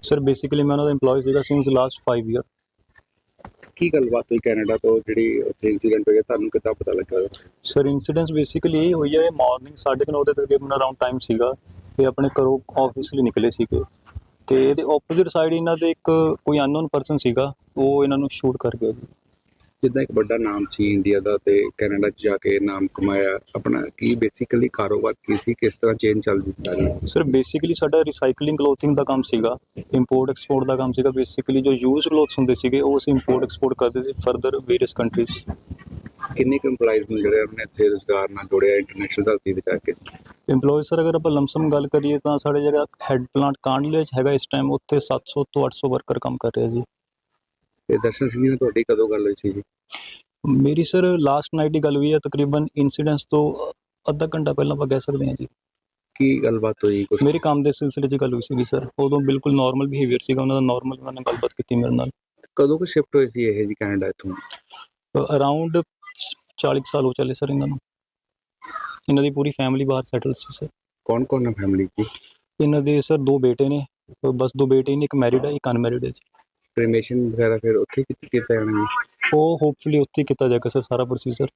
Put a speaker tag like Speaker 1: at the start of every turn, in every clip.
Speaker 1: Sir basically ਮੈਂ ਉਹਨਾਂ ਦਾ EMPLOYE ਸੀਗਾ ਸਿੰਸ ਲਾਸਟ 5 ਈਅਰ।
Speaker 2: ਕੀ ਗੱਲਬਾਤ ਹੋਈ ਕੈਨੇਡਾ ਤੋਂ ਜਿਹੜੀ ਉੱਥੇ ਇੰਸੀਡੈਂਟ ਹੋਇਆ, ਤੁਹਾਨੂੰ ਕਿੱਦਾਂ ਪਤਾ ਲੱਗਾ?
Speaker 1: ਸਰ ਇੰਸੀਡੈਂਸ ਬੇਸਿਕਲੀ ਇਹ ਹੋਈ ਹੈ, ਮਾਰਨਿੰਗ 9:30 ਦੇ ਤਕਰੀਬਨ ਅਰਾਊਂਡ ਟਾਈਮ ਸੀਗਾ। ਇਹ ਆਪਣੇ ਘਰੋਂ ਆਫਿਸ ਲਈ ਨਿਕਲੇ ਸੀਗੇ ਤੇ ਇਹਦੇ ਆਪੋਜ਼ਿਟ ਸਾਈਡ ਇਹਨਾਂ ਦੇ ਇੱਕ ਕੋਈ ਅਨਨੋਨ ਪਰਸਨ ਸੀਗਾ, ਉਹ ਇਹਨਾਂ ਨੂੰ ਸ਼ੂਟ ਕਰ ਗਿਆ ਜੀ।
Speaker 2: ਜਿੱਦਾਂ ਇੱਕ ਵੱਡਾ ਨਾਮ ਸੀ ਇੰਡੀਆ ਦਾ ਤੇ ਕੈਨੇਡਾ 'ਚ ਜਾ ਕੇ ਨਾਮ ਕਮਾਇਆ, ਆਪਣਾ ਕੀ ਬੇਸਿਕਲੀ ਕਾਰੋਬਾਰ ਕੀ ਸੀ, ਕਿਸ ਤਰ੍ਹਾਂ ਚੇਨ ਚੱਲਦੀ ਜਾ ਰਹੀ ਹੈ?
Speaker 1: ਸਰ ਬੇਸਿਕਲੀ ਸਾਡਾ ਰੀਸਾਈਕਲਿੰਗ ਕਲੋਥਿੰਗ ਦਾ ਕੰਮ ਸੀਗਾ, ਇੰਪੋਰਟ ਐਕਸਪੋਰਟ ਦਾ ਕੰਮ ਸੀਗਾ। ਬੇਸਿਕਲੀ ਜੋ ਯੂਜ਼ਡ ਕਲੋਥਸ ਹੁੰਦੇ ਸੀਗੇ ਉਹ ਅਸੀਂ ਇੰਪੋਰਟ ਐਕਸਪੋਰਟ ਕਰਦੇ ਸੀ ਫਰਦਰ ਵੇਰੀਅਸ ਕੰਟਰੀਜ਼।
Speaker 2: ਕਿੰਨੇ ਕੁ EMPLOYEES ਨੂੰ ਜਿਹੜੇ ਉਹਨੇ ਇੱਥੇ ਰੁਜ਼ਗਾਰ ਨਾਲ ਜੋੜਿਆ ਇੰਟਰਨੈਸ਼ਨਲ ਧਰਤੀ ਤੇ ਜਾ ਕੇ?
Speaker 1: EMPLOYEES ਸਰ ਅਗਰ ਆਪਾਂ ਲਮਸਮ ਗੱਲ ਕਰੀਏ ਤਾਂ ਸਾਡੇ ਜਿਹੜਾ ਹੈੱਡ ਪਲਾਂਟ ਕਾਂਡਲੇ 'ਚ ਹੈਗਾ ਇਸ ਟਾਈਮ, ਉੱਥੇ 700 ਤੋਂ 800 ਵਰਕਰ ਕੰਮ ਕਰ ਰਹੇ ਜੀ।
Speaker 2: ਤੇ ਦਰਸ਼ਨ ਸਿੰਘ ਨਾਲ ਤੁਹਾਡੀ ਕਦੋਂ ਗੱਲ ਹੋਈ ਸੀ ਜੀ?
Speaker 1: ਮੇਰੀ ਸਰ ਲਾਸਟ ਨਾਈਟ ਦੀ ਗੱਲ ਹੋਈ ਹੈ, ਤਕਰੀਬਨ ਇਨਸੀਡੈਂਟਸ ਤੋਂ ਅੱਧਾ ਘੰਟਾ ਪਹਿਲਾਂ ਆਪਾਂ ਕਹਿ ਸਕਦੇ ਹਾਂ ਜੀ।
Speaker 2: ਕੀ ਗੱਲਬਾਤ ਹੋਈ ਕੁਛ?
Speaker 1: ਮੇਰੇ ਕੰਮ ਦੇ ਸਿਲਸਿਲੇ 'ਚ ਗੱਲ ਹੋਈ ਸੀਗੀ ਸਰ, ਉਦੋਂ ਬਿਲਕੁਲ ਨਾਰਮਲ ਬਿਹੇਵੀਅਰ ਸੀਗਾ ਉਹਨਾਂ ਦਾ, ਨਾਰਮਲ ਉਹਨਾਂ ਨੇ ਗੱਲਬਾਤ ਕੀਤੀ ਮੇਰੇ ਨਾਲ।
Speaker 2: ਕਦੋਂ ਕੁ ਸ਼ਿਫਟ ਹੋਏ ਸੀ ਇਹ ਜੀ ਕੈਨੇਡਾ ਇੱਥੋਂ?
Speaker 1: ਅਰਾਊਂਡ 40 ਸਾਲ ਹੋ ਚੱਲੇ ਸਰ ਇਹਨਾਂ ਨੂੰ। ਇਹਨਾਂ ਦੀ ਪੂਰੀ ਫੈਮਿਲੀ ਬਾਹਰ ਸੈਟਲ ਸੀ ਸਰ।
Speaker 2: ਕੌਣ ਕੌਣ ਹੈ ਫੈਮਿਲੀ 'ਚ?
Speaker 1: ਇਹਨਾਂ ਦੇ ਸਰ 2 ਬੇਟੇ ਨੇ, ਬਸ 2 ਬੇਟੇ ਨੇ, ਇੱਕ ਮੈਰਿਡ ਹੈ ਇੱਕ ਅਨਮੈਰਿਡ ਹੈ ਜੀ।
Speaker 2: ਕ੍ਰੀਮੇਸ਼ਨ ਵਗੈਰਾ ਫਿਰ ਉੱਥੇ ਕੀਤਾ ਜਾਣਾ ਜੀ?
Speaker 1: ਉਹ ਹੋਪਫੁਲੀ ਉੱਥੇ ਕੀਤਾ ਜਾਏਗਾ ਸਰ ਸਾਰਾ ਪ੍ਰੋਸੀਜਰ।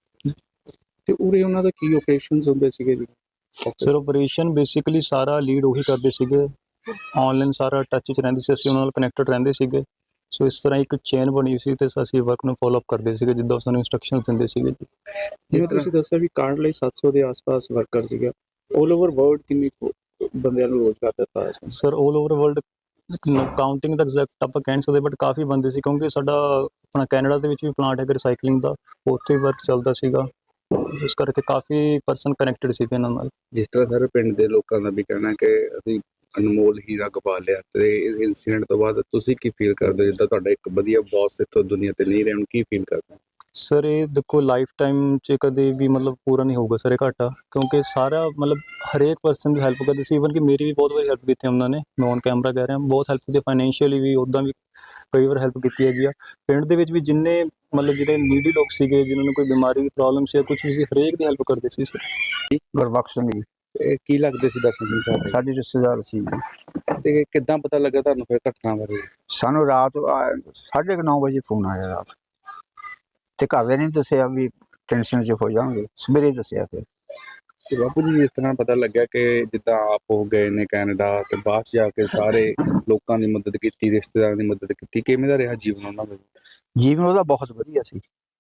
Speaker 2: ਤੇ ਉਰੇ ਉਹਨਾਂ ਦਾ ਕੀ ਓਪਰੇਸ਼ਨਸ ਹੁੰਦੇ ਸੀਗੇ ਜੀ?
Speaker 1: ਸਰ ਆਪਰੇਸ਼ਨ ਬੇਸਿਕਲੀ ਸਾਰਾ ਲੀਡ ਉਹੀ ਕਰਦੇ ਸੀਗੇ, ਆਨਲਾਈਨ ਸਾਰਾ ਟੱਚ 'ਚ ਰਹਿੰਦੇ ਸੀ, ਅਸੀਂ ਉਹਨਾਂ ਨਾਲ ਕਨੈਕਟਡ ਰਹਿੰਦੇ ਸੀਗੇ। ਸੋ ਇਸ ਤਰ੍ਹਾਂ ਇੱਕ ਚੇਨ ਬਣੀ ਸੀ ਤੇ ਅਸੀਂ ਵਰਕ ਨੂੰ ਫੋਲੋ ਅਪ ਕਰਦੇ ਸੀਗੇ ਜਿੱਦਾਂ ਸਾਨੂੰ ਇੰਸਟਰਕਸ਼ਨਸ ਦਿੰਦੇ ਸੀਗੇ ਜੀ।
Speaker 3: ਜਿਵੇਂ ਤੁਸੀਂ ਦੱਸਿਆ ਵੀ ਕਾਂਡ ਲਈ 700 ਦੇ ਆਸ-ਪਾਸ ਵਰਕਰ ਸੀਗਾ, ਆਲ ਓਵਰ ਵਰਲਡ ਕਿੰਨੇ ਬੰਦਿਆਂ ਨੂੰ ਰੋਜ਼ਗਾਰ ਦਿੱਤਾ ਹੈ?
Speaker 1: Sir all over world counting ਦਾ ਐਗਜ਼ੈਕਟ ਆਪਾਂ ਕਹਿ ਨਹੀਂ ਸਕਦੇ, ਬਟ ਕਾਫੀ ਬੰਦੇ ਸੀ ਕਿਉਂਕਿ ਸਾਡਾ ਆਪਣਾ ਕੈਨੇਡਾ ਦੇ ਵਿੱਚ ਵੀ ਪਲਾਂਟ ਹੈਗਾ ਰੀਸਾਈਕਲਿੰਗ ਦਾ, ਉੱਥੇ ਵੀ ਵਰਕ ਚੱਲਦਾ ਸੀਗਾ, ਇਸ ਕਰਕੇ ਕਾਫੀ ਪਰਸਨ ਕਨੈਕਟਡ ਸੀਗੇ ਇਹਨਾਂ ਨਾਲ।
Speaker 2: ਜਿਸ ਤਰ੍ਹਾਂ ਸਾਰੇ ਪਿੰਡ ਦੇ ਲੋਕਾਂ ਦਾ ਵੀ ਕਹਿਣਾ ਕਿ ਅਸੀਂ ਅਨਮੋਲ ਹੀਰਾ ਗਵਾ ਲਿਆ, ਤੇ ਇਸ ਇਨਸੀਡੈਂਟ ਤੋਂ ਬਾਅਦ ਤੁਸੀਂ ਕੀ ਫੀਲ ਕਰਦੇ ਹੋ? ਜਿੱਦਾਂ ਤੁਹਾਡਾ ਇੱਕ ਵਧੀਆ ਬੌਸ ਇੱਥੋਂ ਦੁਨੀਆ ਤੇ ਨਹੀਂ ਰਹੇ, ਹੁਣ ਕੀ ਫੀਲ ਕਰਦੇ?
Speaker 1: ਸਰ ਇਹ ਦੇਖੋ ਲਾਈਫ ਟਾਈਮ 'ਚ ਕਦੇ ਵੀ ਮਤਲਬ ਪੂਰਾ ਨਹੀਂ ਹੋਊਗਾ ਸਰ ਇਹ ਘਾਟਾ, ਕਿਉਂਕਿ ਸਾਰਾ ਮਤਲਬ ਹਰੇਕ ਪਰਸਨ ਦੀ ਹੈਲਪ ਕਰਦੇ ਸੀ। ਈਵਨ ਕਿ ਮੇਰੀ ਵੀ ਬਹੁਤ ਵਾਰੀ ਹੈਲਪ ਕੀਤੀ ਉਹਨਾਂ ਨੇ, ਮੈਂ ਔਨ ਕੈਮਰਾ ਕਹਿ ਰਿਹਾ, ਬਹੁਤ ਹੈਲਪ ਕੀਤੀ ਫਾਈਨੈਂਸ਼ੀਅਲੀ ਵੀ, ਉੱਦਾਂ ਵੀ ਕਈ ਵਾਰ ਹੈਲਪ ਕੀਤੀ ਹੈਗੀ ਆ। ਪਿੰਡ ਦੇ ਵਿੱਚ ਵੀ ਜਿੰਨੇ ਮਤਲਬ ਜਿਹੜੇ ਨੀਡੀ ਲੋਕ ਸੀਗੇ, ਜਿਨ੍ਹਾਂ ਨੂੰ ਕੋਈ ਬਿਮਾਰੀ ਦੀ ਪ੍ਰੋਬਲਮ ਸੀ ਜਾਂ ਕੁਛ ਵੀ ਸੀ, ਹਰੇਕ ਦੀ ਹੈਲਪ ਕਰਦੇ ਸੀ ਸਰ।
Speaker 4: ਗੁਰਬਖਸ਼ ਸਿੰਘ ਜੀ,
Speaker 2: ਇਹ ਕੀ ਲੱਗਦੇ ਸੀ ਦਰਸ਼ਨ ਸਿੰਘ ਸਾਹਿਬ?
Speaker 4: ਸਾਡੇ ਰਿਸ਼ਤੇਦਾਰ ਸੀ ਜੀ।
Speaker 2: ਤੇ ਕਿੱਦਾਂ ਪਤਾ ਲੱਗਾ ਤੁਹਾਨੂੰ ਫਿਰ ਘਟਨਾ ਬਾਰੇ?
Speaker 4: ਸਾਨੂੰ ਰਾਤ 9:30 ਵਜੇ ਫੋਨ ਆਇਆ ਰਾਤ, ਤੇ ਘਰਦਿਆਂ ਨੇ ਦੱਸਿਆ ਵੀ ਟੈਨਸ਼ਨ 'ਚ ਹੋ ਜਾਵਾਂਗੇ, ਸਵੇਰੇ ਦੱਸਿਆ ਫਿਰ।
Speaker 2: ਤੇ ਬਾਪੂ ਜੀ ਇਸ ਤਰ੍ਹਾਂ ਪਤਾ ਲੱਗਿਆ ਕਿ ਜਿੱਦਾਂ ਆਪ ਹੋ ਗਏ ਨੇ ਕੈਨੇਡਾ ਤੇ ਬਾਅਦ 'ਚ ਜਾ ਕੇ ਸਾਰੇ ਲੋਕਾਂ ਦੀ ਮਦਦ ਕੀਤੀ, ਰਿਸ਼ਤੇਦਾਰਾਂ ਦੀ ਮਦਦ ਕੀਤੀ, ਕਿਵੇਂ ਦਾ ਰਿਹਾ ਜੀਵਨ ਉਹਨਾਂ ਦਾ?
Speaker 4: ਜੀਵਨ ਉਹਦਾ ਬਹੁਤ ਵਧੀਆ ਸੀ।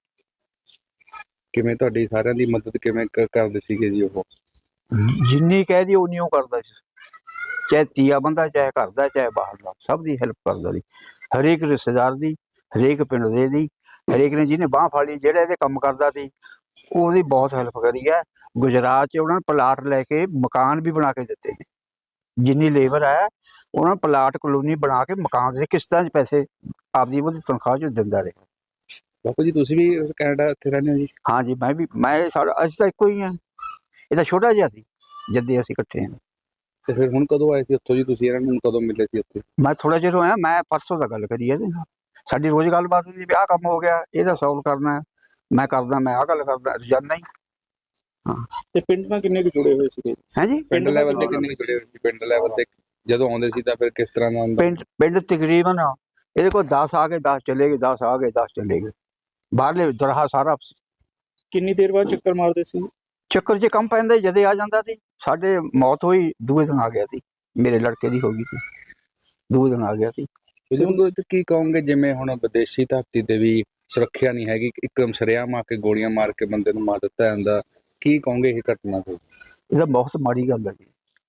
Speaker 2: ਕਿਵੇਂ ਤੁਹਾਡੀ ਸਾਰਿਆਂ ਦੀ ਮਦਦ ਕਿਵੇਂ ਕਰਦੇ ਸੀਗੇ ਜੀ ਉਹ?
Speaker 4: ਜਿੰਨੀ ਕਹਿ ਦੀ ਉਨੀ ਉਹ ਕਰਦਾ ਸੀ, ਚਾਹੇ ਤੀਆ ਬੰਦਾ, ਚਾਹੇ ਘਰ ਦਾ, ਚਾਹੇ ਬਾਹਰ ਦਾ, ਸਭ ਦੀ ਹੈਲਪ ਕਰਦਾ ਸੀ। ਹਰੇਕ ਰਿਸ਼ਤੇਦਾਰ ਦੀ, ਹਰੇਕ ਪਿੰਡ ਦੇ ਦੀ, ਹਰੇਕ ਨੇ ਜਿਹਨੇ ਬਾਂਹ ਫਾੜੀ, ਜਿਹੜਾ ਇਹਦੇ ਕੰਮ ਕਰਦਾ ਸੀ ਉਹਦੀ ਬਹੁਤ ਹੈਲਪ ਕਰੀ ਹੈ। ਗੁਜਰਾਤ 'ਚ ਉਹਨਾਂ ਨੇ ਪਲਾਟ ਲੈ ਕੇ ਮਕਾਨ ਵੀ ਬਣਾ ਕੇ ਦਿੱਤੇ ਨੇ। ਜਿੰਨੀ ਲੇਬਰ ਹੈ ਉਹਨਾਂ ਨੂੰ ਪਲਾਟ ਕਲੋਨੀ ਬਣਾ ਕੇ ਮਕਾਨ ਦੇ ਕਿਸ਼ਤਾਂ 'ਚ ਪੈਸੇ ਆਪਦੀ ਉਹਦੀ ਤਨਖਾਹ 'ਚ ਦਿੰਦਾ ਰਿਹਾ।
Speaker 2: ਬਾਪੂ ਜੀ ਤੁਸੀਂ ਵੀ ਕੈਨੇਡਾ ਇੱਥੇ ਰਹਿੰਦੇ ਹੋ ਜੀ?
Speaker 4: ਹਾਂ ਜੀ, ਮੈਂ ਸਾਡਾ ਅਸੀਂ ਤਾਂ ਇੱਕੋ ਹੀ ਹਾਂ। ਇਹ ਤਾਂ ਛੋਟਾ ਜਿਹਾ ਸੀ ਜਦ ਅਸੀਂ ਇਕੱਠੇ ਹਾਂ।
Speaker 2: ਤੇ ਫਿਰ ਹੁਣ ਕਦੋਂ ਆਏ ਸੀ ਉੱਥੋਂ ਜੀ ਤੁਸੀਂ? ਇਹਨਾਂ ਨੂੰ ਕਦੋਂ ਮਿਲੇ ਸੀ ਉੱਥੇ?
Speaker 4: ਮੈਂ ਥੋੜਾ ਚਿਰ ਹੋਇਆ, ਮੈਂ ਪਰਸੋਂ ਦਾ ਗੱਲ ਕਰੀ ਇਹਦੇ ਨਾਲ। ਸਾਡੀ ਰੋਜ਼ ਗੱਲਬਾਤ ਹੁੰਦੀ ਵੀ ਆਹ ਕੰਮ ਹੋ ਗਿਆ, ਇਹਦਾ ਸੋਲਵ ਕਰਨਾ, ਮੈਂ ਕਰਦਾ, ਮੈਂ ਆਹ ਗੱਲ ਕਰਦਾ, ਰੋਜ਼ਾਨਾ ਹੀ। ਹਾਂ।
Speaker 3: ਤੇ ਪਿੰਡ ਨਾਲ ਕਿੰਨੇ ਕੁ ਜੁੜੇ ਹੋਏ ਸੀਗੇ?
Speaker 4: ਹੈ ਜੀ,
Speaker 2: ਪਿੰਡ ਲੈਵਲ ਤੇ ਕਿੰਨੇ ਜੁੜੇ ਹੋਏ ਸੀ? ਪਿੰਡ ਲੈਵਲ ਤੇ ਜਦੋਂ ਆਉਂਦੇ ਸੀ ਤਾਂ ਫਿਰ ਕਿਸ ਤਰ੍ਹਾਂ ਦਾ ਹੁੰਦਾ?
Speaker 4: ਪਿੰਡ ਤਕਰੀਬਨ ਇਹਦੇ ਕੋਲ 10 ਆ ਗਏ, 10 ਚਲੇ ਗਏ, 10 ਆ ਗਏ, 10 ਚਲੇ ਗਏ। ਬਾਹਰਲੇ ਦਰਹਾ ਸਾਰਾ।
Speaker 3: ਕਿੰਨੀ ਦੇਰ ਬਾਅਦ ਚੱਕਰ ਮਾਰਦੇ ਸੀ?
Speaker 4: ਚੱਕਰ 'ਚ ਕੰਮ ਪੈਂਦਾ ਜਦੇ ਆ ਜਾਂਦਾ ਸੀ। ਸਾਡੇ ਮੌਤ ਹੋਈ ਦੂਏ ਦਿਨ ਆ ਗਿਆ ਸੀ, ਮੇਰੇ ਲੜਕੇ ਦੀ ਹੋ ਗਈ ਸੀ, ਦੂਏ ਦਿਨ ਆ ਗਿਆ ਸੀ।
Speaker 2: ਕੀ ਕਹੋਗੇ ਜਿਵੇਂ ਹੁਣ ਵਿਦੇਸ਼ੀ ਧਰਤੀ ਤੇ ਵੀ ਸੁਰੱਖਿਆ ਨਹੀਂ ਹੈਗੀ, ਇੱਕਦਮ ਸ਼ਰੇਆਮ ਆ ਕੇ ਗੋਲੀਆਂ ਮਾਰ ਕੇ ਬੰਦੇ ਨੂੰ ਮਾਰ ਦਿੱਤਾ ਜਾਂਦਾ, ਕੀ ਕਹੋਗੇ ਇਹ ਘਟਨਾ ਤੇ?
Speaker 4: ਇਹ ਤਾਂ ਬਹੁਤ ਮਾੜੀ ਗੱਲ ਹੈ ਜੀ।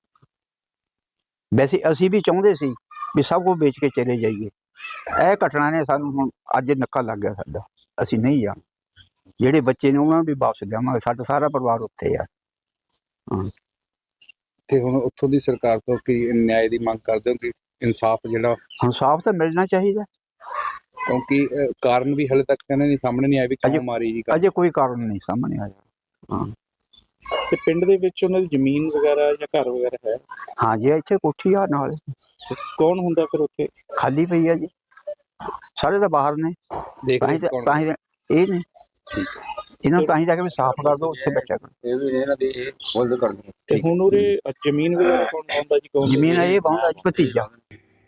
Speaker 4: ਵੈਸੇ ਅਸੀਂ ਵੀ ਚਾਹੁੰਦੇ ਸੀ ਵੀ ਸਭ ਕੁਝ ਵੇਚ ਕੇ ਚਲੇ ਜਾਈਏ। ਇਹ ਘਟਨਾ ਨੇ ਸਾਨੂੰ ਹੁਣ ਅੱਜ ਨੱਕਾ ਲੱਗ ਗਿਆ ਸਾਡਾ, ਅਸੀਂ ਨਹੀਂ ਜਾਣਾ। ਜਿਹੜੇ ਬੱਚੇ ਨੇ ਉਹਨਾਂ ਨੂੰ ਵੀ ਵਾਪਸ ਲਿਆਵਾਂਗੇ, ਸਾਡਾ ਸਾਰਾ ਪਰਿਵਾਰ ਉੱਥੇ ਆ। ਹਾਂ।
Speaker 2: ਤੇ ਹੁਣ ਉੱਥੋਂ ਦੀ ਸਰਕਾਰ ਤੋਂ ਕੀ ਨਿਆਂ ਦੀ ਮੰਗ ਕਰਦੇ ਹੋ ਕਿ ਇਨਸਾਫ ਜਿਹੜਾ
Speaker 4: ਇਨਸਾਫ ਤਾਂ ਮਿਲਣਾ ਚਾਹੀਦਾ,
Speaker 2: ਕਿਉਂਕਿ ਕਾਰਨ ਵੀ ਹਲੇ ਤੱਕ ਕਹਿੰਦੇ ਨਹੀਂ ਸਾਹਮਣੇ ਨਹੀਂ ਆਇਆ ਵੀ ਕਿਉਂ ਮਾਰੀ ਜੀ?
Speaker 4: ਅਜੇ ਕੋਈ ਕਾਰਨ ਨਹੀਂ ਸਾਹਮਣੇ ਆਇਆ। ਹਾਂ।
Speaker 3: ਤੇ ਪਿੰਡ ਦੇ ਵਿੱਚ ਉਹਨਾਂ ਦੀ ਜ਼ਮੀਨ ਵਗੈਰਾ ਜਾਂ ਘਰ ਵਗੈਰਾ ਹੈ?
Speaker 4: ਹਾਂ ਜੀ, ਇੱਥੇ ਕੋਠੀ ਆ ਨਾਲ।
Speaker 3: ਕੌਣ ਹੁੰਦਾ ਫਿਰ ਉੱਥੇ?
Speaker 4: ਖਾਲੀ ਪਈ ਆ ਜੀ, ਸਾਰੇ ਤਾਂ ਬਾਹਰ ਨੇ। ਤਾਂ ਹੀ ਇਹ ਨੇ, ਇਹਨਾਂ ਨੂੰ ਤਾਂ ਹੀ ਜਾ ਕੇ ਵੀ ਸਾਫ਼ ਕਰ ਦਿਓ, ਉੱਥੇ ਬੱਚਾ ਕਰੋ।
Speaker 2: ਇਹ ਵੀ ਇਹਨਾਂ ਦੀ ਇਹ ਮੁੱਲ ਕਰਦੇ।
Speaker 3: ਤੇ ਹੁਣ ਉਰੇ ਜ਼ਮੀਨ ਵਗੈਰਾ ਕੌਣ ਪਾਉਂਦਾ ਜੀ? ਕੌਣ
Speaker 4: ਜ਼ਮੀਨ ਇਹ ਪਾਉਂਦਾ ਜੀ ਭਤੀਜਾ।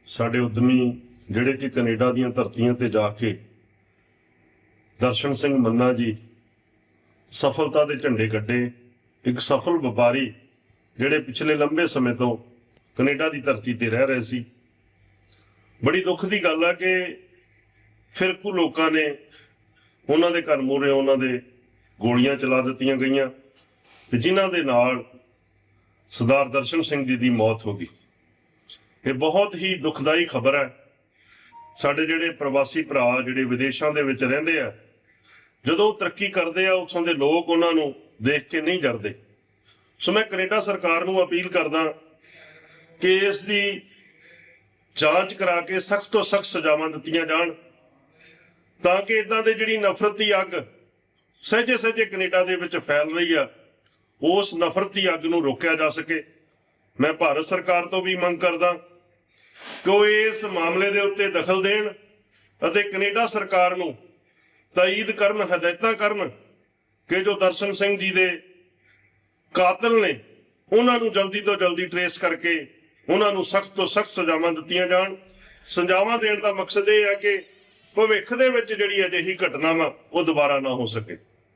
Speaker 5: ਸਾਡੇ ਉਦਮੀ ਜਿਹੜੇ ਕਿ ਕੈਨੇਡਾ ਦੀਆਂ ਧਰਤੀਆਂ ਤੇ ਜਾ ਕੇ ਦਰਸ਼ਨ ਸਿੰਘ ਮੰਨਾ ਜੀ ਸਫਲਤਾ ਦੇ ਝੰਡੇ ਗੱਡੇ, ਇੱਕ ਸਫਲ ਵਪਾਰੀ ਜਿਹੜੇ ਪਿਛਲੇ ਲੰਬੇ ਸਮੇਂ ਤੋਂ ਕੈਨੇਡਾ ਦੀ ਧਰਤੀ ਤੇ ਰਹਿ ਰਹੇ ਸੀ। ਬੜੀ ਦੁੱਖ ਦੀ ਗੱਲ ਹੈ ਕਿ ਫਿਰਕੂ ਲੋਕਾਂ ਨੇ ਉਹਨਾਂ ਦੇ ਘਰ ਮੂਹਰੇ ਉਹਨਾਂ ਦੇ ਗੋਲੀਆਂ ਚਲਾ ਦਿੱਤੀਆਂ ਗਈਆਂ ਤੇ ਜਿਨ੍ਹਾਂ ਦੇ ਨਾਲ ਸਰਦਾਰ ਦਰਸ਼ਨ ਸਿੰਘ ਜੀ ਦੀ ਮੌਤ ਹੋ ਗਈ। ਇਹ ਬਹੁਤ ਹੀ ਦੁਖਦਾਈ ਖਬਰ ਹੈ। ਸਾਡੇ ਜਿਹੜੇ ਪ੍ਰਵਾਸੀ ਭਰਾ ਜਿਹੜੇ ਵਿਦੇਸ਼ਾਂ ਦੇ ਵਿੱਚ ਰਹਿੰਦੇ ਆ, ਜਦੋਂ ਉਹ ਤਰੱਕੀ ਕਰਦੇ ਆ ਉੱਥੋਂ ਦੇ ਲੋਕ ਉਹਨਾਂ ਨੂੰ ਦੇਖ ਕੇ ਨਹੀਂ ਜਰਦੇ। ਸੋ ਮੈਂ ਕੈਨੇਡਾ ਸਰਕਾਰ ਨੂੰ ਅਪੀਲ ਕਰਦਾ ਕਿ ਇਸ ਦੀ ਜਾਂਚ ਕਰਾ ਕੇ ਸਖਤ ਤੋਂ ਸਖਤ ਸਜ਼ਾਵਾਂ ਦਿੱਤੀਆਂ ਜਾਣ ਤਾਂ ਕਿ ਇਦਾਂ ਦੇ ਜਿਹੜੀ ਨਫ਼ਰਤ ਦੀ ਅੱਗ ਸਹਿਜੇ ਸਹਿਜੇ ਕੈਨੇਡਾ ਦੇ ਵਿੱਚ ਫੈਲ ਰਹੀ ਆ, ਉਸ ਨਫ਼ਰਤ ਦੀ ਅੱਗ ਨੂੰ ਰੋਕਿਆ ਜਾ ਸਕੇ। ਮੈਂ ਭਾਰਤ ਸਰਕਾਰ ਤੋਂ ਵੀ ਮੰਗ ਕਰਦਾ ਕਿ ਉਹ ਇਸ ਮਾਮਲੇ ਦੇ ਉੱਤੇ ਦਖਲ ਦੇਣ ਅਤੇ ਕੈਨੇਡਾ ਸਰਕਾਰ ਨੂੰ ਤਾਇਦ ਕਰਨ, ਹਦਾਇਤਾਂ ਕਰਨ ਕਿ ਜੋ ਦਰਸ਼ਨ ਸਿੰਘ ਜੀ ਦੇ ਕਾਤਲ ਨੇ ਉਹਨਾਂ ਨੂੰ ਜਲਦੀ ਤੋਂ ਜਲਦੀ ਟਰੇਸ ਕਰਕੇ ਉਹਨਾਂ ਨੂੰ ਸਖਤ ਤੋਂ ਸਖਤ ਸਜ਼ਾਵਾਂ ਦਿੱਤੀਆਂ ਜਾਣ। ਸਜ਼ਾਵਾਂ ਦੇਣ ਦਾ ਮਕਸਦ ਇਹ ਹੈ ਕਿ ਭਵਿੱਖ ਦੇ ਵਿੱਚ ਜਿਹੜੀ ਅਜਿਹੀ ਘਟਨਾ ਵਾ ਉਹ ਦੁਬਾਰਾ ਨਾ ਹੋ ਸਕੇ।